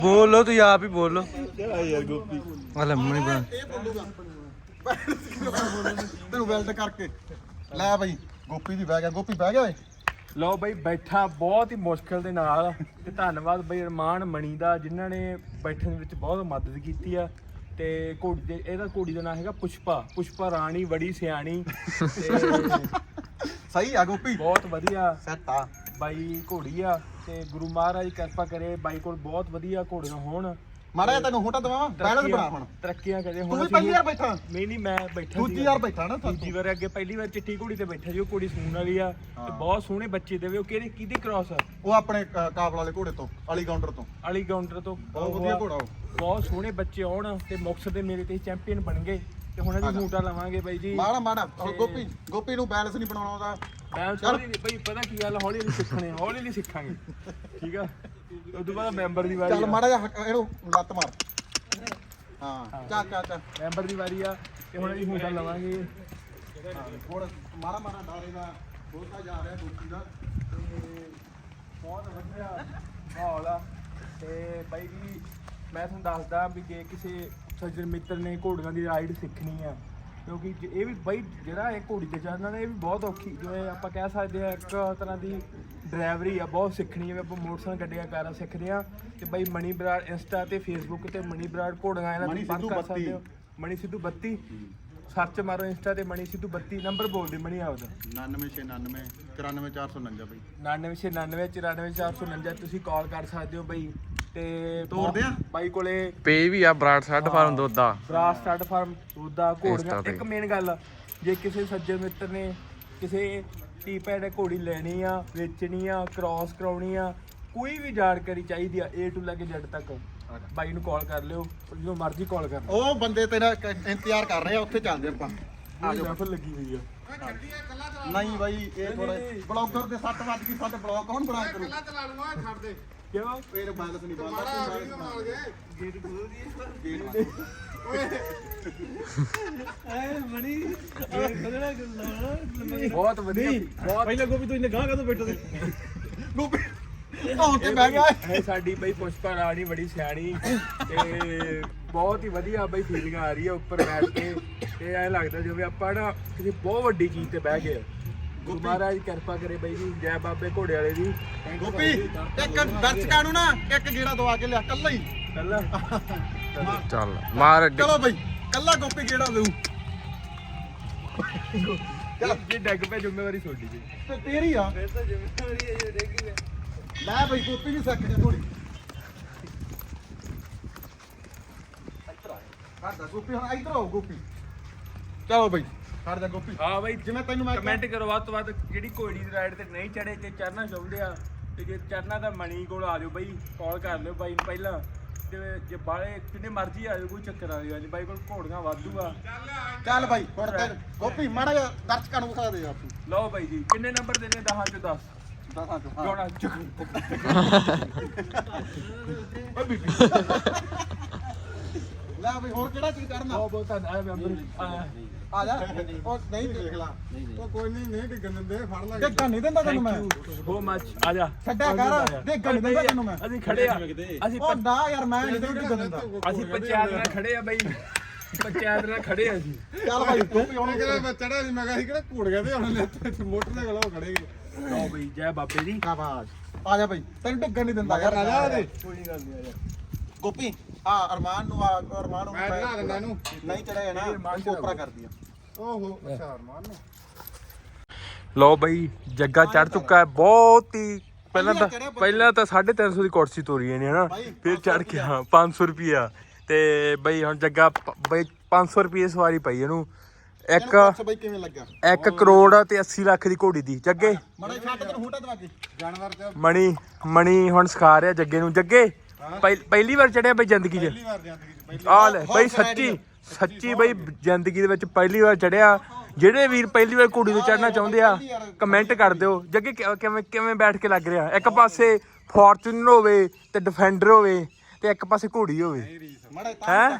ਬੋਲੋ ਤੁਸੀਂ ਆਪ ਹੀ ਬੋਲੋ ਯਾਰ ਗੋਪੀ ਹਲੇ ਮਣੀ ਬਣਾ ਤੈਨੂੰ ਵੈਲਡ ਕਰਕੇ ਲੈ ਬਈ ਗੋਪੀ ਵੀ ਬਹਿ ਗਿਆ ਗੋਪੀ ਬਹਿ ਗਿਆ ਓਏ ਲਓ ਬਈ ਬੈਠਾ ਬਹੁਤ ਹੀ ਮੁਸ਼ਕਿਲ ਦੇ ਨਾਲ ਤੇ ਧੰਨਵਾਦ ਬਈ ਅਰਮਾਨ ਮਣੀ ਦਾ ਜਿਨ੍ਹਾਂ ਨੇ ਬੈਠਣ ਵਿੱਚ ਬਹੁਤ ਮਦਦ ਕੀਤੀ ਆ ਤੇ ਘੋੜੀ ਦੇ ਇਹਦਾ ਘੋੜੀ ਦਾ ਨਾਮ ਹੈਗਾ ਪੁਸ਼ਪਾ ਰਾਣੀ ਬੜੀ ਸਿਆਣੀ ਤੇ ਸਹੀ ਆ ਗੋਪੀ ਬਹੁਤ ਵਧੀਆ ਸੈੱਟ ਆ ਬਾਈ ਘੋੜੀ ਆ ਤੇ ਗੁਰੂ ਮਹਾਰਾਜ ਕਿਰਪਾ ਕਰੇ ਬਾਈ ਕੋਲ ਬਹੁਤ ਵਧੀਆ ਘੋੜੀਆਂ ਹੋਣ ਮਾੜਾ ਜਿਹਾ ਤੈਨੂੰ ਹੋਟਾ ਦਵਾਵਾਂ ਬੈਲੈਂਸ ਬਣਾ ਹੁਣ ਤਰੱਕੀਆਂ ਕਰੇ ਤੂੰ ਹੁਣ ਵੀ ਪਹਿਲੀ ਵਾਰ ਬੈਠਾ ਨਹੀਂ ਮੈਂ ਬੈਠਾ ਦੂਜੀ ਵਾਰ ਬੈਠਾ ਨਾ ਦੂਜੀ ਵਾਰ ਅੱਗੇ ਪਹਿਲੀ ਵਾਰ ਚਿੱਟੀ ਘੋੜੀ ਤੇ ਬੈਠਾ ਜੀ ਉਹ ਘੋੜੀ ਸੂਣ ਵਾਲੀ ਆ ਤੇ ਬਹੁਤ ਸੋਹਣੇ ਬੱਚੇ ਦੇਵੇ ਉਹ ਕਿਹਦੀ ਕ੍ਰਾਸ ਆ ਉਹ ਆਪਣੇ ਕਾਬਲ ਵਾਲੇ ਘੋੜੇ ਤੋਂ ਅਲੀ ਕਾਊਂਟਰ ਤੋਂ ਅਲੀ ਕਾਊਂਟਰ ਤੋਂ ਬਹੁਤ ਵਧੀਆ ਘੋੜਾ ਉਹ ਬਹੁਤ ਸੋਹਣੇ ਬੱਚੇ ਆਉਣ ਤੇ ਮੁਕਤਸਰ ਦੇ ਮੇਰੇ ਤੇ ਚੈਂਪੀਅਨ ਬਣ ਗਏ ਤੇ ਹੁਣ ਅਸੀਂ ਹੂਟਾ ਲਵਾਂਗੇ ਬਾਈ ਜੀ ਮਾੜਾ ਗੋਪੀ ਨੂੰ ਬੈਲੈਂਸ ਨਹੀਂ ਬਣਾਉਣਾ ਉਹਦਾ ਬੈਲੈਂਸ ਬਈ ਪਤਾ ਕੀ ਗੱਲ ਹੌਲੀ ਹੌਲੀ ਸਿੱਖਾਂਗੇ ਠੀਕ ਆ ਉਸ ਤੋਂ ਬਾਅਦ ਮੈਂਬਰ ਦੀ ਵਾਰੀ ਚੱਲ ਮਾੜਾ ਜਿਹਾ ਇਹਨੂੰ ਲੱਤ ਮਾਰ ਹਾਂ ਚੱਲ ਮੈਂਬਰ ਦੀ ਵਾਰੀ ਆ ਤੇ ਹੁਣ ਅਸੀਂ ਹੂਟਾ ਲਵਾਂਗੇ ਥੋੜਾ ਮਾੜਾ ਡਾਰੇ ਦਾ ਬਹੁਤਾ ਜਾ ਰਿਹਾ ਗੋਪੀ ਦਾ ਤੇ ਬਹੁਤ ਵਧੀਆ ਮਾਹੌਲ ਆ ਤੇ ਬਾਈ ਜੀ ਮੈਂ ਤੁਹਾਨੂੰ ਦੱਸਦਾ ਵੀ ਜੇ ਕਿਸੇ ਸੱਜਣ ਮਿੱਤਰ ਨੇ ਘੋੜੀਆਂ ਦੀ ਰਾਈਡ ਸਿੱਖਣੀ ਆ ਕਿਉਂਕਿ ਇਹ ਵੀ ਬਾਈ ਜਿਹੜਾ ਇਹ ਘੋੜੀ ਤੇ ਚੜ੍ਹਨਾ ਨੇ ਇਹ ਵੀ ਬਹੁਤ ਔਖੀ ਜਿਵੇਂ ਆਪਾਂ ਕਹਿ ਸਕਦੇ ਆ ਇੱਕ ਤਰ੍ਹਾਂ ਦੀ ਡਰਾਈਵਰੀ ਆ ਬਹੁਤ ਸਿੱਖਣੀ ਜਿਵੇਂ ਆਪਾਂ ਮੋਟਰਸਾਈਕਲ ਗੱਡੀਆਂ ਕਾਰਾਂ ਸਿੱਖਦੇ ਆ ਤੇ ਬਾਈ ਮਣੀ ਬਰਾੜ ਇੰਸਟਾ ਤੇ ਫੇਸਬੁੱਕ ਤੇ ਮਣੀ ਬਰਾੜ ਘੋੜੀਆਂ ਇਹਨਾਂ ਦੀ ਬੰਦ ਕਰ ਸਕਦੇ ਹੋ ਮਣੀ ਸਿੱਧੂ 32 ਸਰਚ ਮਾਰੋ ਇੰਸਟਾ ਤੇ ਮਣੀ ਸਿੱਧੂ 32 ਨੰਬਰ ਬੋਲ ਦੇ ਮਣੀ ਆਪਦਾ 9999 94449 ਬਈ 9999 94449 ਤੁਸੀਂ ਕਾਲ ਕਰ ਸਕਦੇ ਹੋ ਬਈ ਤੇ ਤੋਰਦੇ ਆ ਬਾਈ ਕੋਲੇ ਪੇ ਵੀ ਆ Brar stud farm Doda Brar stud farm Doda ਘੋੜੀਆਂ Insta ਤੇ। ਇੱਕ ਮੇਨ ਗੱਲ ਜੇ ਕਿਸੇ ਸੱਜਣ ਮਿੱਤਰ ਨੇ ਕਿਸੇ ਟੀਪੈਡ ਘੋੜੀ ਲੈਣੀ ਆ ਵੇਚਣੀ ਆ ਕ੍ਰਾਸ ਕਰਾਉਣੀ ਆ ਕੋਈ ਵੀ ਜਾਣਕਾਰੀ ਚਾਹੀਦੀ ਆ A to ਲੈ ਕੇ Z ਤੱਕ ਬਾਈ ਨੂੰ ਕਾਲ ਕਰ ਲਿਓ ਜਦੋਂ ਮਰਜ਼ੀ ਕਾਲ ਕਰ ਲਿਓ ਉਹ ਬੰਦੇ ਤੇਰਾ ਇੰਤਜ਼ਾਰ ਕਰ ਰਹੇ ਆ ਉੱਥੇ ਚੱਲਦੇ ਆਪਾਂ ਆ ਜਾਓ ਲੱਗੀ ਹੋਈ ਆ ਨਹੀਂ ਬਾਈ ਇਹ ਥੋੜਾ ਬਲੌਗਰ ਦੇ 7 ਵਜ ਗਏ ਸਾਡੇ ਬਲੌਗ ਕੌਣ ਬਣਾਇਆ ਕਰੂ ਚਲਾ ਲੂੰਗਾ ਛੱਡ ਦੇ ਕਿਉਂ ਇਹ ਬਾਲਸ ਨਹੀਂ ਬੰਦਾ ਗੇਟ ਖੋਲ ਦੀ ਗੇਟ ਬਹੁਤ ਵਧੀਆ ਬਹੁਤ ਪਹਿਲਾਂ ਗੋਪੀ ਤੂੰ ਇੰਨੇ ਗਾਂ ਕਦੋਂ ਬੈਠਾ ਸੀ ਗੋਪੀ ਧੌਣ ਤੇ ਬਹਿ ਗਿਆ ਇਹ ਸਾਡੀ ਬਈ ਪੁਸ਼ਪਾ ਰਾਣੀ ਬੜੀ ਸਿਆਣੀ ਤੇ ਬਹੁਤ ਹੀ ਵਧੀਆ ਬਈ ਫੀਲਿੰਗ ਆ ਰਹੀ ਹੈ ਉੱਪਰ ਬੈਠ ਕੇ ਤੇ ਐਂ ਲੱਗਦਾ ਜਿਵੇਂ ਆਪਾਂ ਨਾ ਕਿਸੇ ਬਹੁਤ ਵੱਡੀ ਚੀਜ਼ ਤੇ ਬਹਿ ਗਏ ਗੁਰੂ ਮਹਾਰਾਜ ਕਿਰਪਾ ਕਰੇ ਬਈ ਜੀ ਜੈ ਬਾਬੇ ਘੋੜੇ ਵਾਲੇ ਦੀ ਗੋਪੀ ਇੱਕ ਦਰਸ਼ਕਾਂ ਨੂੰ ਨਾ ਇੱਕ ਗੇੜਾ ਦਵਾ ਕੇ ਲਿਆ ਕੱਲਾ ਹੀ ਕੱਲਾ ਚੱਲ ਮਾਰ ਅੱਗੇ ਚਲੋ ਬਈ ਕੱਲਾ ਗੋਪੀ ਗੇੜਾ ਦੇਊ ਜੇ ਡੱਗ ਪੈ ਜ਼ਿੰਮੇਵਾਰੀ ਤੁਹਾਡੀ ਜੀ ਤੇ ਤੇਰੀ ਆ ਫਿਰ ਤਾਂ ਜ਼ਿੰਮੇਵਾਰੀ ਹੈ ਜੇ ਡੱਗੀ ਹੈ ਲੈ ਬਈ ਗੋਪੀ ਵੀ ਸਿੱਖ ਜਾ ਥੋੜੀ ਕਰਦਾ ਗੋਪੀ ਹੁਣ ਇੱਧਰ ਆਓ ਗੋਪੀ ਚਲੋ ਬਈ ਖੜ ਜਾ ਗੋਪੀ ਹਾਂ ਬਈ ਜਿਵੇਂ ਤੈਨੂੰ ਮੈਂ ਕਮੈਂਟ ਕਰੋ ਵੱਧ ਤੋਂ ਵੱਧ ਜਿਹੜੀ ਘੋੜੀ ਦੀ ਰਾਈਡ ਤੇ ਨਹੀਂ ਚੜੇ ਤੇ ਚੜਨਾ ਚਾਹੁੰਦੇ ਆ ਤੇ ਜੇ ਚੜਨਾ ਤਾਂ ਮਣੀ ਕੋਲ ਆ ਜਾਓ ਬਈ ਕਾਲ ਕਰ ਲਿਓ ਬਾਈ ਨੂੰ ਪਹਿਲਾਂ ਤੇ ਜੇ ਬਾਲੇ ਕਿੰਨੇ ਮਰਜ਼ੀ ਆ ਜਾਓ ਕੋਈ ਚੱਕਰ ਆ ਜਾਓ ਬਾਈ ਕੋਲ ਘੋੜੀਆਂ ਵਾਧੂ ਆ ਚੱਲ ਬਾਈ ਹੁਣ ਤੇ ਗੋਪੀ ਮਾੜਾ ਜਿਹਾ ਦਰਸ਼ਕਾਂ ਨੂੰ ਵਿਖਾ ਦੇ ਆਪੂ ਲਓ ਬਾਈ ਜੀ ਕਿੰਨੇ ਨੰਬਰ ਦੇਣੇ 10 ਚੋਂ 10 ਦਸਾਂ ਚੋਂ ਜੋੜਾ ਚੱਕ ਓ ਬੀਬੀ ਲੈ ਬਈ ਹੋਰ ਕਿਹੜਾ ਚੀਜ਼ ਕਰਨਾ ਬਹੁਤ ਧੰਨਵਾਦ ਮੈਂਬਰ ਆ ਜਾ ਉਹ ਨਹੀਂ ਦੇਖ ਲਾ ਉਹ ਕੋਈ ਨਹੀਂ ਡਿੱਗਣ ਦਿੰਦੇ ਫੜ ਲੈ ਦੇਖਣ ਨਹੀਂ ਦਿੰਦਾ ਤੈਨੂੰ ਮੈਂ ਸੋ ਮੱਚ ਆ ਜਾ ਛੱਡਿਆ ਕਰ ਦੇਖਣ ਨਹੀਂ ਦਿੰਦਾ ਤੈਨੂੰ ਮੈਂ ਅਸੀਂ ਖੜੇ ਆ ਅਸੀਂ ਉਹ ਨਾ ਯਾਰ ਮੈਂ ਨਹੀਂ ਦੇਖਣ ਦਿੰਦਾ ਅਸੀਂ ਪੰਚਾਇਤ ਨਾਲ ਖੜੇ ਆ ਬਈ ਪੰਚਾਇਤ ਨਾਲ ਖੜੇ ਆ ਜੀ ਚੱਲ ਬਾਈ ਗੋਪੀ ਹੁਣ ਕਿਹੜਾ ਮੈਂ ਚੜਿਆ ਸੀ ਮੈਂ ਕਿਹਾ ਸੀ ਕਿਹੜਾ ਘੂੜ ਗਿਆ ਤੇ ਹੁਣ ਮੋਟਰਸਾਈਕਲ ਉਹ ਖੜੇ ਗਏ ਲਓ ਬਈ ਜੈ ਬਾਬੇ ਦੀ ਸ਼ਾਬਾਸ਼ ਆ ਜਾ ਬਾਈ ਤੈਨੂੰ ਡਿੱਗਣ ਨਹੀਂ ਦਿੰਦਾ ਯਾਰ ਆ ਜਾ ਉਹਦੇ ਕੋਈ ਗੱਲ ਨਹੀਂ ਆ ਜਾ ਗੋਪੀ ਅਰਮਾਨ ਨੂੰ ਮੈਂ ਬਣਾ ਦਿੰਦਾ ਇਹਨੂੰ ਨਹੀਂ ਚੜਿਆ ਨਾ ਕੋਪਰਾ ਕਰਦੀ ਆ ਓਹੋ ਅੱਛਾ ਅਰਮਾਨ ਨੂੰ ਲਓ ਬਈ ਜੱਗਾ ਚੜ ਚੁੱਕਾ ਹੈ ਬਹੁਤ ਹੀ ਪਹਿਲਾਂ ਤਾਂ 350 ਦੀ ਕੁਰਸੀ ਤੋਰੀ ਇਹਨੇ ਹਨਾ ਫਿਰ ਚੜ ਕੇ ਹਾਂ 500 ਰੁਪਿਆ ਤੇ ਬਈ ਹੁਣ ਜੱਗਾ ਬਈ 500 ਰੁਪਏ ਸਵਾਰੀ ਪਈ ਇਹਨੂੰ ਇੱਕ ਬਈ ਕਿਵੇਂ ਲੱਗਾ 1 ਕਰੋੜ ਤੇ 80 ਲੱਖ ਦੀ ਘੋੜੀ ਦੀ ਜੱਗੇ ਮੜਾ ਛੱਡ ਤੈਨੂੰ ਹੂਟਾ ਦਵਾ ਕੇ ਜਾਨਵਰ ਤੇ ਮਣੀ ਹੁਣ ਸਿਖਾ ਰਿਹਾ ਜੱਗੇ ਨੂੰ ਜੱਗੇ ਪਹਿਲੀ ਵਾਰ ਚੜਿਆ ਬਈ ਜ਼ਿੰਦਗੀ 'ਚ ਪਹਿਲੀ ਵਾਰ ਜਾਂਦੀ ਪਹਿਲੀ ਆ ਲੈ ਬਈ ਸੱਚੀ ਬਈ ਜ਼ਿੰਦਗੀ ਦੇ ਵਿੱਚ ਪਹਿਲੀ ਵਾਰ ਚੜਿਆ ਜਿਹੜੇ ਵੀਰ ਪਹਿਲੀ ਵਾਰ ਘੋੜੀ ਤੇ ਚੜਨਾ ਚਾਹੁੰਦੇ ਆ ਕਮੈਂਟ ਕਰ ਦਿਓ ਜੱਗੇ ਕਿਵੇਂ ਬੈਠ ਕੇ ਲੱਗ ਰਿਹਾ ਇੱਕ ਪਾਸੇ ਫੋਰਚੂਨਰ ਹੋਵੇ ਤੇ ਡਿਫੈਂਡਰ ਹੋਵੇ ਤੇ ਇੱਕ ਪਾਸੇ ਘੋੜੀ ਹੋਵੇ ਮੜਾ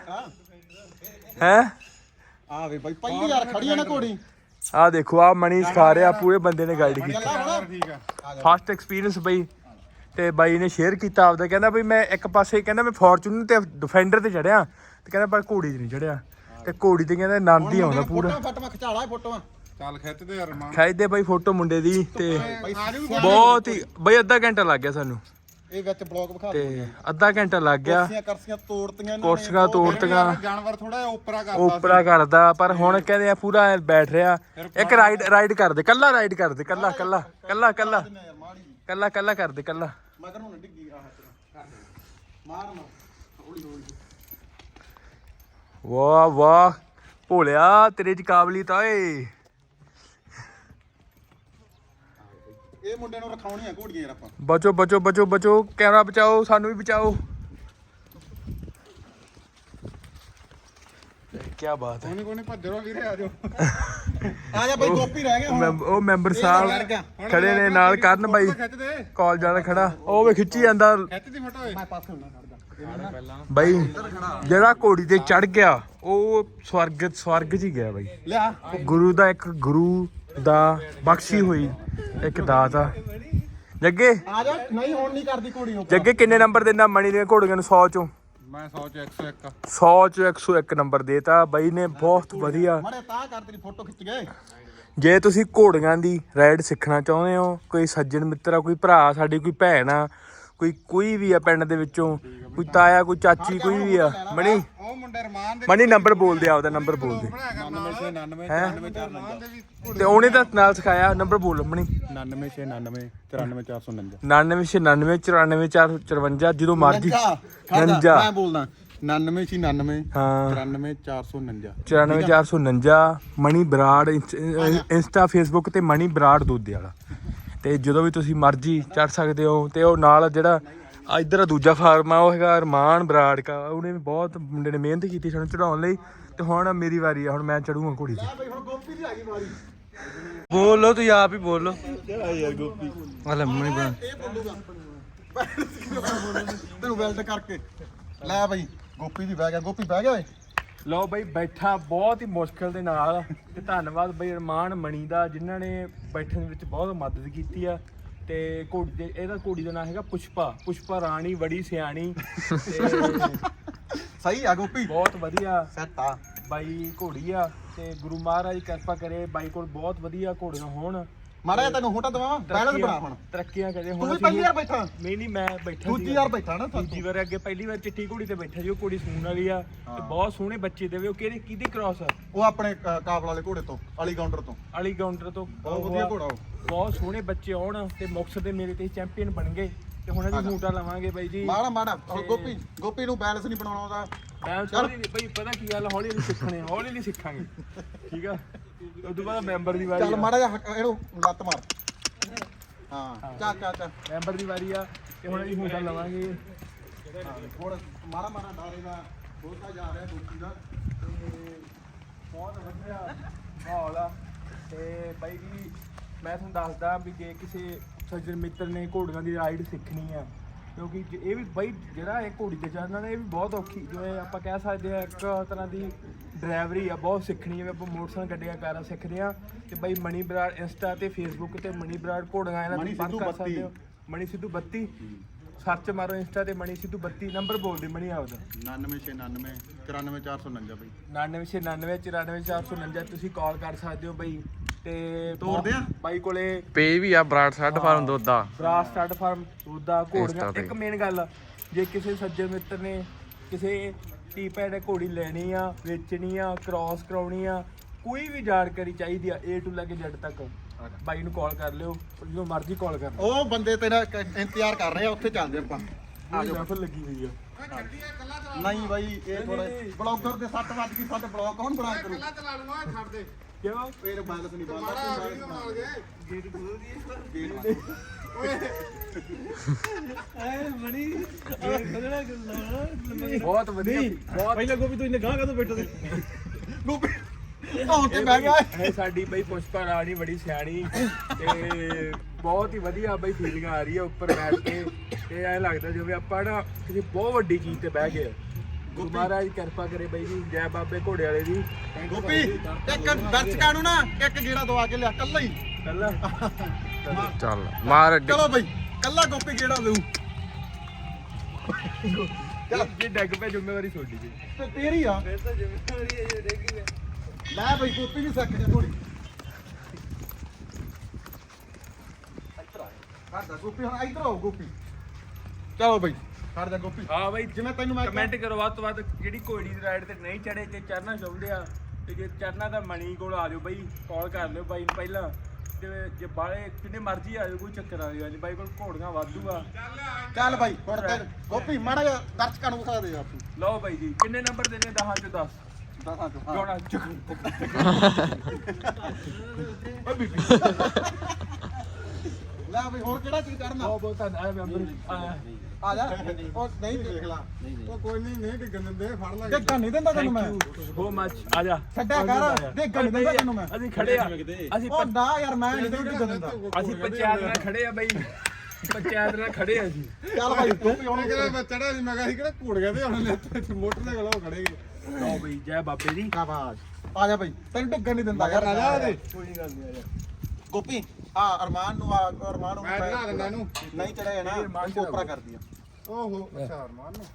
ਹੈ ਆ ਵੇ ਬਾਈ ਪਹਿਲੀ ਵਾਰ ਖੜੀ ਆ ਨਾ ਘੋੜੀ ਆ ਦੇਖੋ ਆ ਮਣੀ ਸਿਖਾ ਰਿਹਾ ਪੂਰੇ ਬੰਦੇ ਨੇ ਗਾਈਡ ਕੀਤਾ ਠੀਕ ਆ ਫਸਟ ਐਕਸਪੀਰੀਅੰਸ ਬਈ ਤੇ ਬਾਈ ਨੇ ਸ਼ੇਅਰ ਕੀਤਾ ਆਪਦਾ, ਕਹਿੰਦਾ ਬਈ ਮੈਂ ਇੱਕ ਪਾਸੇ ਕਹਿੰਦਾ ਮੈਂ ਫੋਰਚੂਨਰ ਤੇ ਡਿਫੈਂਡਰ ਤੇ ਚੜਿਆ ਤੇ ਕਹਿੰਦਾ ਪਰ ਘੋੜੀ 'ਤੇ ਨਹੀਂ ਚੜਿਆ ਤੇ ਘੋੜੀ ਤੇ ਕਹਿੰਦਾ ਆਨੰਦ ਹੀ ਆਉਂਦਾ ਪੂਰਾ। ਫੋਟੋਆਂ ਖਿਚਾਲਾ ਫੋਟੋਆਂ ਚੱਲ ਖਿੱਚਦੇ ਯਾਰ ਮਾਂ ਖਿੱਚਦੇ ਬਾਈ ਫੋਟੋ ਮੁੰਡੇ ਦੀ ਤੇ ਬਹੁਤ ਹੀ ਬਈ ਅੱਧਾ ਘੰਟਾ ਲੱਗ ਗਿਆ ਸਾਨੂੰ ਇਹ ਵਿੱਚ ਬਲੌਗ ਵਿਖਾ ਤੇ ਅੱਧਾ ਘੰਟਾ ਲੱਗ ਗਿਆ। ਕਰਸੀਆਂ ਤੋੜਤੀਆਂ ਕੁਰਸੀਆਂ ਤੋੜਤੀਆਂ, ਜਾਨਵਰ ਥੋੜਾ ਓਪਰਾ ਕਰਦਾ ਉਪਰਾ ਕਰਦਾ ਪਰ ਹੁਣ ਕਹਿੰਦੇ ਆ ਪੂਰਾ ਬੈਠ ਰਿਹਾ। ਇੱਕ ਰਾਈਡ ਕਰਦੇ ਕੱਲਾ, ਰਾਈਡ ਕਰਦੇ ਕੱਲਾ ਕੱਲਾ ਕੱਲਾ ਕੱਲਾ ਕੱਲਾ ਕੱਲਾ ਕਰਦੇ ਕੱਲਾ। ਮਗਰ ਨੂੰ ਡਿੱਗੀ ਆਹ ਮਾਰਨਾ ਹੌਲੀ ਹੌਲੀ। ਵਾਹ ਵਾਹ ਭੋਲਿਆ ਤੇਰੇ ਚ ਕਾਬਲੀਅਤ ਓਏ। ਇਹ ਮੁੰਡੇ ਨੂੰ ਰਖਾਉਣੀਆਂ ਘੋੜੀਆਂ ਯਾਰ ਆਪਾਂ। ਬਚੋ ਬਚੋ ਬਚੋ ਬਚੋ, ਕੈਮਰਾ ਬਚਾਓ, ਸਾਨੂੰ ਵੀ ਬਚਾਓ। ਕੀ ਬਾਤ ਹੈ। ਕੋਨੇ ਭੱਜੋ ਵੀਰੇ ਆ ਜਾਓ ਆ ਜਾ ਬਾਈ ਗੋਪੀ ਰਹਿ ਗਿਆ ਹੁਣ। ਉਹ ਮੈਂਬਰ ਸਾਹਿਬ ਖੜੇ ਨੇ ਨਾਲ ਕਰਨ ਬਾਈ ਖਿੱਚਦੇ ਕਾਲਜ ਵਾਲਾ ਖੜਾ, ਉਹ ਵੇ ਖਿੱਚੀ ਜਾਂਦਾ ਖਿੱਚਦੀ ਫੋਟੋ ਓਏ ਮੈਂ ਪਾਸੇ ਹੁੰਨਾ ਖੜਦਾ ਬਾਈ। ਜਿਹੜਾ ਘੋੜੀ ਤੇ ਚੜ ਗਿਆ ਉਹ ਸਵਰਗ ਚ ਹੀ ਗਿਆ ਬਾਈ। ਲਿਆ ਗੁਰੂ ਦਾ ਇੱਕ ਗੁਰੂ ਦਾ ਬਖਸ਼ੀ ਹੋਈ ਇੱਕ ਦਾਤ ਆ। ਜੱਗੇ ਆ ਜਾ। ਨਹੀਂ ਹੁਣ ਨਹੀਂ ਕਰਦੀ ਘੋੜੀ ਉਹ। ਜੱਗੇ ਕਿੰਨੇ ਨੰਬਰ ਦੇਣਾ ਮਣੀ ਦੀਆਂ ਘੋੜੀਆਂ ਨੂੰ 100 ਚੋਂ? ਮੈਂ 100 ਚ 101 100 ਚ 101 ਨੰਬਰ ਦੇਤਾ ਬਾਈ ਨੇ, ਬਹੁਤ ਵਧੀਆ। ਮੜੇ ਤਾਂ ਕਰ ਤੇਰੀ ਫੋਟੋ ਖਿੱਚ ਗਏ। ਜੇ ਤੁਸੀਂ ਘੋੜੀਆਂ ਦੀ ਰਾਈਡ ਸਿੱਖਣਾ ਚਾਹੁੰਦੇ ਹੋ, ਕੋਈ ਸੱਜਣ ਮਿੱਤਰ ਆ, ਕੋਈ ਭਰਾ ਸਾਡੀ, ਕੋਈ ਭੈਣ ਆ, ਕੋਈ ਵੀ ਆ ਪਿੰਡ ਦੇ ਵਿੱਚੋਂ, ਕੋਈ ਤਾਇਆ, ਕੋਈ ਚਾਚੀ, ਕੋਈ ਵੀ ਆ, ਮਣੀ ਉਹ ਮੁੰਡੇ ਰਮਾਨ ਦੇ ਮਣੀ ਨੰਬਰ ਬੋਲ ਦੇ, ਆਪਦਾ ਨੰਬਰ ਬੋਲ ਦੇ। 99 ਤੇ ਉਹਨੇ ਤਾਂ ਨਾਲ ਸਿਖਾਇਆ, ਨੰਬਰ ਬੋਲ ਮਣੀ। 99 99 94449 99 94 54 ਜਦੋਂ ਮਰਜੀ। ਮੈਂ ਬੋਲਦਾ 99 99 ਹਾਂ 93 449 94 449 ਮਣੀ ਬਰਾੜ ਇੰਸਟਾ ਫੇਸਬੁੱਕ ਤੇ ਮਣੀ ਬਰਾੜ ਦੋਦੇ ਵਾਲਾ। ਤੇ ਜਦੋਂ ਵੀ ਤੁਸੀਂ ਮਰਜੀ ਚੜ ਸਕਦੇ ਹੋ। ਤੇ ਉਹ ਨਾਲ ਜਿਹੜਾ ਇੱਧਰ ਦੂਜਾ ਫਾਰਮ ਆ ਉਹ ਹੈਗਾ ਅਰਮਾਨ ਬਰਾੜ ਕਾ, ਉਹਨੇ ਵੀ ਬਹੁਤ ਮੁੰਡੇ ਨੇ ਮਿਹਨਤ ਕੀਤੀ ਸਾਨੂੰ ਚੜਾਉਣ ਲਈ। ਤੇ ਹੁਣ ਮੇਰੀ ਵਾਰੀ ਆ, ਹੁਣ ਮੈਂ ਚੜੂਗਾ ਘੋੜੀ ਤੇ। ਹੁਣ ਗੋਪੀ ਦੀ ਆ ਗਈ ਵਾਰੀ। ਬੋਲੋ ਤੁਸੀਂ ਆਪ ਹੀ ਬੋਲੋ। ਯਾਰ ਗੋਪੀ ਹਲੇ ਮਣੀ ਬਣਾ ਇਹ ਬੋਲੂਗਾ ਤੈਨੂੰ ਵੈਲਡ ਕਰਕੇ ਲੈ ਬਾਈ। ਗੋਪੀ ਵੀ ਬਹਿ ਗਿਆ। ਗੋਪੀ ਬਹਿ ਗਿਆ ਓਏ। ਲਓ ਬਈ ਬੈਠਾ ਬਹੁਤ ਹੀ ਮੁਸ਼ਕਲ ਦੇ ਨਾਲ। ਤੇ ਧੰਨਵਾਦ ਬਈ ਅਰਮਾਨ ਮਣੀ ਦਾ, ਜਿਨ੍ਹਾਂ ਨੇ ਬੈਠਣ ਵਿੱਚ ਬਹੁਤ ਮਦਦ ਕੀਤੀ ਆ। ਤੇ ਘੋੜੀ ਦੇ ਇਹਦਾ ਘੋੜੀ ਦਾ ਨਾਮ ਹੈਗਾ ਪੁਸ਼ਪਾ ਰਾਣੀ, ਬੜੀ ਸਿਆਣੀ ਤੇ ਸਹੀ ਆ ਗੋਪੀ, ਬਹੁਤ ਵਧੀਆ ਸੈੱਟ ਆ ਬਾਈ ਘੋੜੀ ਆ। ਤੇ ਗੁਰੂ ਮਹਾਰਾਜ ਕਿਰਪਾ ਕਰੇ ਬਾਈ ਕੋਲ ਬਹੁਤ ਵਧੀਆ ਘੋੜੀਆਂ ਹੋਣ। ਮਾੜਾ ਜਿਹਾ ਤੈਨੂੰ ਹੋਟਾ ਦਵਾਵਾਂ। ਬੈਲੈਂਸ ਬਣਾ ਹੁਣ। ਤਰੱਕੀਆਂ ਕਰੇ ਤੂੰ ਹੁਣ। ਵੀ ਪਹਿਲੀ ਵਾਰ ਬੈਠਾ। ਨਹੀਂ ਮੈਂ ਬੈਠਾ ਦੂਜੀ ਵਾਰ ਬੈਠਾ ਨਾ ਤੂੰ। ਦੂਜੀ ਵਾਰ ਅੱਗੇ ਪਹਿਲੀ ਵਾਰ ਚਿੱਟੀ ਘੋੜੀ ਤੇ ਬੈਠਾ ਜੀ। ਉਹ ਘੋੜੀ ਸੂਣ ਵਾਲੀ ਆ ਤੇ ਬਹੁਤ ਸੋਹਣੇ ਬੱਚੇ ਦੇਵੇ। ਉਹ ਕਿਹਦੀ ਕ੍ਰਾਸ ਆ? ਉਹ ਆਪਣੇ ਕਾਬਲ ਵਾਲੇ ਘੋੜੇ ਤੋਂ, ਅਲੀ ਕਾਊਂਟਰ ਤੋਂ। ਅਲੀ ਕਾਊਂਟਰ ਤੋਂ। ਬਹੁਤ ਵਧੀਆ ਘੋੜਾ ਉਹ। ਬਹੁਤ ਸੋਹਣੇ ਬੱਚੇ ਆਉਣ ਤੇ ਮੁਕਤਸਰ ਦੇ ਮੇਰੇ ਤੇ ਚੈਂਪੀਅਨ ਬਣ ਗਏ। ਤੇ ਹੁਣ ਅਸੀਂ ਹੂਟਾ ਲਵਾਂਗੇ ਬਾਈ ਜੀ। ਮਾੜਾ ਗੋਪੀ ਨੂੰ ਬੈਲੈਂਸ ਨਹੀਂ ਬਣਾਉਣਾ ਉਹਦਾ। ਬਈ ਪਤਾ ਕੀ ਗੱਲ, ਹੌਲੀ ਹੌਲੀ ਸਿੱਖਣੇ, ਹੌਲੀ ਹੌਲੀ ਸਿੱਖਾਂਗੇ ਠੀਕ ਆ। ਉਸ ਤੋਂ ਬਾਅਦ ਮੈਂਬਰ ਦੀ ਵਾਰੀ ਚੱਲ ਆ। ਮਾੜਾ ਜਿਹਾ ਇਹਨੂੰ ਲੱਤ ਮਾਰ। ਹਾਂ ਚੱਲ ਮੈਂਬਰ ਦੀ ਵਾਰੀ ਆ ਤੇ ਹੁਣ ਅਸੀਂ ਹੂਟਾ ਲਵਾਂਗੇ। ਥੋੜਾ ਮਾੜਾ ਡਾਰੇ ਦਾ ਬਹੁਤਾ ਜਾ ਰਿਹਾ ਗੋਪੀ ਦਾ। ਤੇ ਬਹੁਤ ਵਧੀਆ ਮਾਹੌਲ ਆ। ਤੇ ਬਾਈ ਜੀ ਮੈਂ ਤੁਹਾਨੂੰ ਦੱਸਦਾ ਵੀ ਜੇ ਕਿਸੇ ਸੱਜਣ ਮਿੱਤਰ ਨੇ ਘੋੜੀਆਂ ਦੀ ਰਾਈਡ ਸਿੱਖਣੀ ਆ, ਕਿਉਂਕਿ ਇਹ ਵੀ ਬਾਈ ਜਿਹੜਾ ਇਹ ਘੋੜੀ ਤੇ ਚੜ੍ਹਨਾ ਨੇ ਇਹ ਵੀ ਬਹੁਤ ਔਖੀ, ਜਿਵੇਂ ਆਪਾਂ ਕਹਿ ਸਕਦੇ ਆ ਇੱਕ ਤਰ੍ਹਾਂ ਦੀ ਡਰਾਈਵਰੀ ਆ, ਬਹੁਤ ਸਿੱਖਣੀ। ਜਿਵੇਂ ਆਪਾਂ ਮੋਟਰਸਾਈਕਲ ਗੱਡੀਆਂ ਕਾਰਾਂ ਸਿੱਖਦੇ ਆ। ਤੇ ਬਾਈ ਮਣੀ ਬਰਾੜ ਇੰਸਟਾ ਤੇ ਫੇਸਬੁੱਕ ਤੇ ਮਣੀ ਬਰਾੜ ਘੋੜੀਆਂ ਇਹਨਾਂ ਦੀ ਬੰਦ ਕਰ ਸਕਦੇ ਹੋ। ਮਣੀ ਸਿੱਧੂ 32 ਸਰਚ ਮਾਰੋ ਇੰਸਟਾ ਤੇ ਮਣੀ ਸਿੱਧੂ 32 ਨੰਬਰ ਬੋਲਦੇ ਮਣੀ ਆਪਦਾ 99 99 449 ਬਈ 99 94 449 ਤੁਸੀਂ ਕਾਲ ਕਰ ਸਕਦੇ ਹੋ ਬਈ। ਤੇ ਤੋਰਦੇ ਆ ਬਾਈ ਕੋਲੇ ਪੇ ਵੀ ਆ Brar stud farm Doda Brar stud farm Doda ਘੋੜੀਆਂ। Insta ਤੇ। ਇੱਕ ਮੇਨ ਗੱਲ, ਜੇ ਕਿਸੇ ਸੱਜਣ ਮਿੱਤਰ ਨੇ ਕਿਸੇ ਟੀ ਪੈਡ ਘੋੜੀ ਲੈਣੀ ਆ, ਵੇਚਣੀ ਆ, ਕ੍ਰਾਸ ਕਰਾਉਣੀ ਆ, ਕੋਈ ਵੀ ਜਾਣਕਾਰੀ ਚਾਹੀਦੀ ਆ A to ਲੈ ਕੇ Z ਤੱਕ, ਬਾਈ ਨੂੰ ਕਾਲ ਕਰ ਲਿਓ, ਜਦੋਂ ਮਰਜ਼ੀ ਕਾਲ ਕਰ ਲਿਓ। ਉਹ ਬੰਦੇ ਤੇਰਾ ਇੰਤਜ਼ਾਰ ਕਰ ਰਹੇ ਆ, ਉੱਥੇ ਚੱਲਦੇ ਆਪਾਂ। ਆ ਜਾਓ ਲੱਗੀ ਹੋਈ ਆ। ਨਹੀਂ ਬਾਈ ਇਹ ਥੋੜਾ ਬਲੌਗਰ ਦੇ 7 ਵਜ ਗਏ। ਸਾਡੇ ਬਲੌਗ ਕੌਣ ਬਣਾਇਆ ਕਰੂ? ਚਲਾ ਲੂੰਗਾ ਛੱਡ ਦੇ ਕਿਉਂ ਇਹ ਬਾਲਸ ਨਹੀਂ ਬਣਦਾ। ਗੇਟ ਖੋਲ ਦੀ ਬਹੁਤ ਵਧੀਆ ਬਹੁਤ ਪਹਿਲਾਂ ਗੋਪੀ ਤੂੰ ਇੰਨੇ ਗਾਂ ਕਦੋਂ ਬੈਠਾ ਸੀ? ਗੋਪੀ ਧੌਣ ਤੇ ਬਹਿ ਗਿਆ। ਇਹ ਸਾਡੀ ਬਈ ਪੁਸ਼ਪਾ ਰਾਣੀ ਬੜੀ ਸਿਆਣੀ ਤੇ ਬਹੁਤ ਹੀ ਵਧੀਆ ਬਈ ਫੀਲਿੰਗ ਆ ਰਹੀ ਹੈ ਉੱਪਰ ਬੈਠ ਕੇ। ਤੇ ਐਂ ਲੱਗਦਾ ਜਿਵੇਂ ਆਪਾਂ ਨਾ ਕਿਸੇ ਬਹੁਤ ਵੱਡੀ ਚੀਜ਼ ਤੇ ਬਹਿ ਗਏ। ਗੁਰੂ ਮਹਾਰਾਜ ਕਿਰਪਾ ਕਰੇ ਬਾਈ ਜੀ। ਜੈ ਬਾਬੇ ਘੋੜੇ ਵਾਲੇ ਦੀ। ਗੋਪੀ ਇੱਕ ਦਰਸ਼ਕਾਂ ਨੂੰ ਨਾ ਇੱਕ ਗੇੜਾ ਦਵਾ ਕੇ ਲਿਆ ਕੱਲਾ ਹੀ। ਕੱਲਾ ਚੱਲ ਮਾਰ ਅੱਗੇ। ਚਲੋ ਬਈ ਕੱਲਾ ਗੋਪੀ ਕਿਹੜਾ ਦੇਊ ਜੇ ਡੱਗ ਪੈ ਜ਼ਿੰਮੇਵਾਰੀ ਤੁਹਾਡੀ ਜੀ। ਤੇ ਤੇਰੀ ਆ ਫਿਰ ਤਾਂ ਜ਼ਿੰਮੇਵਾਰੀ ਹੈ ਜੇ ਡੇਗੀ ਹੈ ਲੈ ਬਈ ਗੋਪੀ ਵੀ ਸਿੱਖ ਜਾ ਥੋੜੀ ਕਰਦਾ ਗੋਪੀ ਹੁਣ ਇੱਧਰ ਆਓ ਗੋਪੀ ਚਲੋ ਬਈ ਖੜ ਜਾ ਗੋਪੀ ਹਾਂ ਬਾਈ ਜਿਵੇਂ ਤੈਨੂੰ ਮੈਂ ਕਮੈਂਟ ਕਰੋ ਵੱਧ ਤੋਂ ਵੱਧ ਜਿਹੜੀ ਘੋੜੀ ਦੀ ਰਾਈਡ ਤੇ ਨਹੀਂ ਚੜੇ ਤੇ ਚੜਨਾ ਚਾਹੁੰਦੇ ਆ ਤੇ ਜੇ ਚੜਨਾ ਤਾਂ ਮਣੀ ਕੋਲ ਆ ਜਾਓ ਬਾਈ ਕਾਲ ਕਰ ਲਿਓ ਬਾਈ ਨੂੰ ਪਹਿਲਾਂ ਤੇ ਜੇ ਬਾਲੇ ਕਿੰਨੇ ਮਰਜ਼ੀ ਆ ਜਾਓ ਕੋਈ ਚੱਕਰ ਆ ਜਾਓ ਬਾਈ ਕੋਲ ਘੋੜੀਆਂ ਵਾਧੂ ਆ ਚੱਲ ਬਾਈ ਹੁਣ ਤੇ ਗੋਪੀ ਮਾੜਾ ਜਿਹਾ ਦਰਸ਼ਕਾਂ ਨੂੰ ਵਿਖਾ ਦੇ ਆਪੂ ਲਓ ਬਾਈ ਜੀ ਕਿੰਨੇ ਨੰਬਰ ਦੇਣੇ 10 ਚੋਂ 10 ਦਸਾਂ ਚੋਂ ਜੋਣਾ ਚੱਕ ਓ ਬੀਬੀ ਲੈ ਬਈ ਹੋਰ ਕਿਹੜਾ ਚੀਜ਼ ਕਰਨਾ ਬਹੁਤ ਧੰਨਵਾਦ ਮੈਂਬਰ ਆ ਜਾ ਉਹ ਨਹੀਂ ਦੇਖ ਲਾ ਉਹ ਕੋਈ ਨਹੀਂ ਡਿੱਗਣ ਦਿੰਦੇ ਫੜ ਲਾਂਗੇ ਦੇਖਣ ਨਹੀਂ ਦਿੰਦਾ ਤੈਨੂੰ ਮੈਂ ਸੋ ਮੱਚ ਆ ਜਾ ਛੱਡਿਆ ਕਰ ਦੇਖਣ ਨਹੀਂ ਦਿੰਦਾ ਤੈਨੂੰ ਮੈਂ ਅਸੀਂ ਖੜੇ ਆ ਅਸੀਂ ਉਹ ਨਾ ਯਾਰ ਮੈਂ ਨਹੀਂ ਦੇਖਣ ਦਿੰਦਾ ਅਸੀਂ ਪੰਚਾਇਤ ਨਾਲ ਖੜੇ ਆ ਬਾਈ ਪੰਚਾਇਤ ਨਾਲ ਖੜੇ ਆ ਜੀ ਚੱਲ ਬਾਈ ਗੋਪੀ ਉਹਨੇ ਹੁਣ ਕਿਹਾ ਮੈਂ ਚੜਾ ਸੀ ਮੈਂ ਕਿਹਾ ਸੀ ਕਿਹੜਾ ਘੋੜੀਆਂ ਤੇ ਹੁਣ ਇੱਥੇ ਮੋਟਰਸਾਈਕਲ ਉਹ ਖੜੇਗੇ ਲਓ ਬਈ ਜੈ ਬਾਬੇ ਦੀ ਸ਼ਾਬਾਸ਼ ਆ ਜਾ ਬਾਈ ਤੈਨੂੰ ਡਿੱਗਣ ਨਹੀਂ ਦਿੰਦਾ ਯਾਰ ਆ ਜਾ ਉਹਦੇ ਕੋਈ ਗੱਲ ਨਹੀਂ ਆ ਜਾ ਗੋਪੀ ਆ ਅਰਮਾਨ ਨੂੰ ਅਰਮਾਨ ਨੂੰ ਮੈਂ ਬਣਾ ਦਿੰਦਾ ਇਹਨੂੰ ਨਹੀਂ ਚੜਿਆ ਨਾ ਕੋਪਰਾ ਕਰਦੀ ਆ ਓਹੋ ਅੱਛਾ ਅਰਮਾਨ ਨੂੰ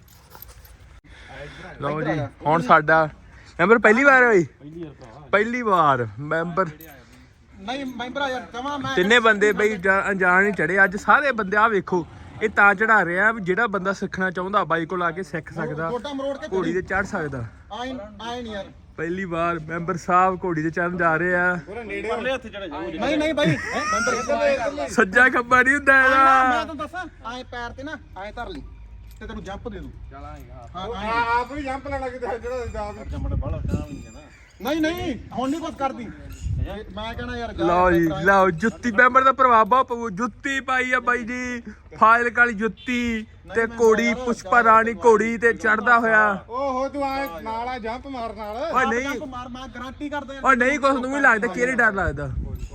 ਲਓ ਜੀ ਹੁਣ ਸਾਡਾ ਮੈਂਬਰ ਪਹਿਲੀ ਵਾਰ ਹੋਈ ਪਹਿਲੀ ਵਾਰ ਮੈਂਬਰ ਨਹੀਂ ਮੈਂਬਰ ਯਾਰ ਜਮਾ ਮੈਂ ਤਿੰਨੇ ਬੰਦੇ ਬਈ ਅਣਜਾਣ ਨਹੀਂ ਚੜੇ ਅੱਜ ਸਾਰੇ ਬੰਦੇ ਆ ਵੇਖੋ ਇਹ ਤਾਂ ਚੜਾ ਰਹੇ ਆ ਵੀ ਜਿਹੜਾ ਬੰਦਾ ਸਿੱਖਣਾ ਚਾਹੁੰਦਾ ਬਾਈ ਕੋਲ ਆ ਕੇ ਸਿੱਖ ਸਕਦਾ ਛੋਟਾ ਮਰੋੜ ਕੇ ਘੋੜੀ ਤੇ ਚੜ ਸਕਦਾ ਆਏ ਨਹੀਂ ਯਾਰ ਪਹਿਲੀ ਵਾਰ ਮੈਂਬਰ ਸਾਹਿਬ ਘੋੜੀ ਤੇ ਚੜਨ ਜਾ ਰਹੇ ਆ ਪੂਰਾ ਨੇੜੇ ਨਹੀਂ ਨਹੀਂ ਬਾਈ ਮੈਂਬਰ ਸੱਜਾ ਖੱਬਾ ਨਹੀਂ ਹੁੰਦਾ ਮੈਂ ਇਹਦਾ ਤੈਨੂੰ ਦੱਸਾਂ ਆਏ ਪੈਰ ਤੇ ਨਾ ਆਏ ਧਰ ਲਈ ਤੇ ਤੈਨੂੰ ਜੰਪ ਦੇ ਦੂੰ ਹਾਂ ਆਪ ਵੀ ਜੰਪ ਲੈਣਾ ਕਿਤੇ ਜਿਹੜਾ ਜਾ ਨਹੀਂ ਨਹੀਂ ਹੁਣ ਨਹੀਂ ਕੁਝ ਕਰਦੀ ਮੈਂ ਕਹਣਾ ਯਾਰ ਲਓ ਜੀ ਲਓ ਜੁੱਤੀ ਮੈਂਬਰ ਦਾ ਪ੍ਰਭਾਵ ਬਹੁਤ ਪਊ ਜੁੱਤੀ ਪਾਈ ਆ ਬਾਈ ਜੀ ਫਾਇਲ ਕਾਲੀ ਜੁੱਤੀ ਤੇ ਘੋੜੀ ਪੁਸ਼ਪਾ ਰਾਣੀ ਘੋੜੀ ਤੇ ਚੜਦਾ ਹੋਇਆ ਓਹੋ ਤੂੰ ਆਏ ਨਾਲ ਆ ਜੰਪ ਮਾਰ ਨਾਲ ਓ ਨਹੀਂ ਮਾਰ ਮੈਂ ਗਾਰੰਟੀ ਕਰਦਾ ਓ ਨਹੀਂ ਕੁਛ ਨੂੰ ਵੀ ਲੱਗਦਾ ਕਿਹੜੇ ਡਰ ਲੱਗਦਾ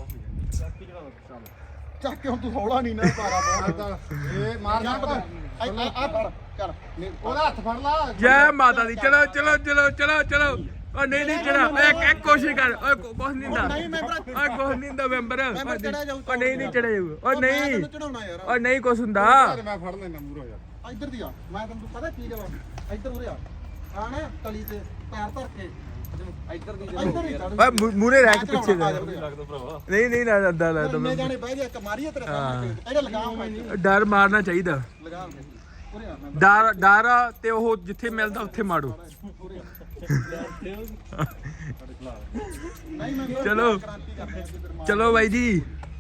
ਚੱਕ ਕੇ ਹੁਣ ਤੂੰ ਹੌਲਾ ਨਹੀਂ ਨਾ ਪਾਰਾ ਬਹੁਤ ਇਹ ਮਾਰ ਜੰਪ ਜੰਪ ਦੇ ਆ ਫੜ ਚੱਲ ਉਹਦਾ ਹੱਥ ਫੜ ਲਾ ਜੈ ਮਾਤਾ ਦੀ ਚਲੋ ਚਲੋ ਚਲੋ ਚਲੋ ਚਲੋ ਓ ਨਹੀਂ ਨਹੀਂ ਚੜਾ ਇੱਕ ਕੋਸ਼ਿਸ਼ ਕਰ ਓਏ ਕੁਛ ਨਹੀਂ ਹੁੰਦਾ ਨਹੀਂ ਮੈਂਬਰ ਓਏ ਕੁਛ ਨਹੀਂ ਹੁੰਦਾ ਮੈਂਬਰ ਮੈਂਬਰ ਚੜਿਆ ਜਾਊ ਓ ਨਹੀਂ ਨਹੀਂ ਚੜਿਆ ਜਾਊ ਓ ਨਹੀਂ ਤੈਨੂੰ ਚੜਾਉਣਾ ਯਾਰ ਓ ਨਹੀਂ ਕੁਛ ਹੁੰਦਾ ਮੈਂ ਫੜ ਲੈਣਾ ਮੂਰੋ ਯਾਰ ਇੱਧਰ ਦੀ ਆ ਮੈਂ ਤੈਨੂੰ ਪਤਾ ਕੀ ਕਰਾਂ ਇੱਧਰ ਉਰੇ ਆ ਆ ਨਾ ਤਲੀ ਤੇ ਪੈਰ ਧਰ ਕੇ ਇੱਧਰ ਦੀ ਇੱਧਰ ਹੀ ਚੜ੍ਹ ਓਏ ਮੂਰੇ ਰਹਿ ਕੇ ਪਿੱਛੇ ਆ ਜਾ ਜਾ ਉਰੇ ਆ। ਨਹੀਂ ਨਹੀਂ ਨਾ ਅੱਦਾ ਲੱਗਦਾ ਇੰਨੇ ਜਾਣੇ ਬਹਿ ਜਾ ਇੱਕ ਮਾਰੀਏ ਤੇਰੇ ਸਾਹਮਣੇ ਇਹਦਾ ਲਗਾਮ ਮੈਂ ਡਰ ਮਾਰਨਾ ਚਾਹੀਦਾ ਲਗਾਮ ਦੇ ਉਰੇ ਆ ਮੈਂ ਡਰ ਤੇ ਉਹ ਜਿੱਥੇ ਮਿਲਦਾ ਉੱਥੇ ਮਾਰੋ ਨਹੀਂ ਮੈਂ ਚਲੋ ਕ੍ਰਾਂਤੀ ਕਰਦੇ ਚਲੋ ਬਾਈ ਜੀ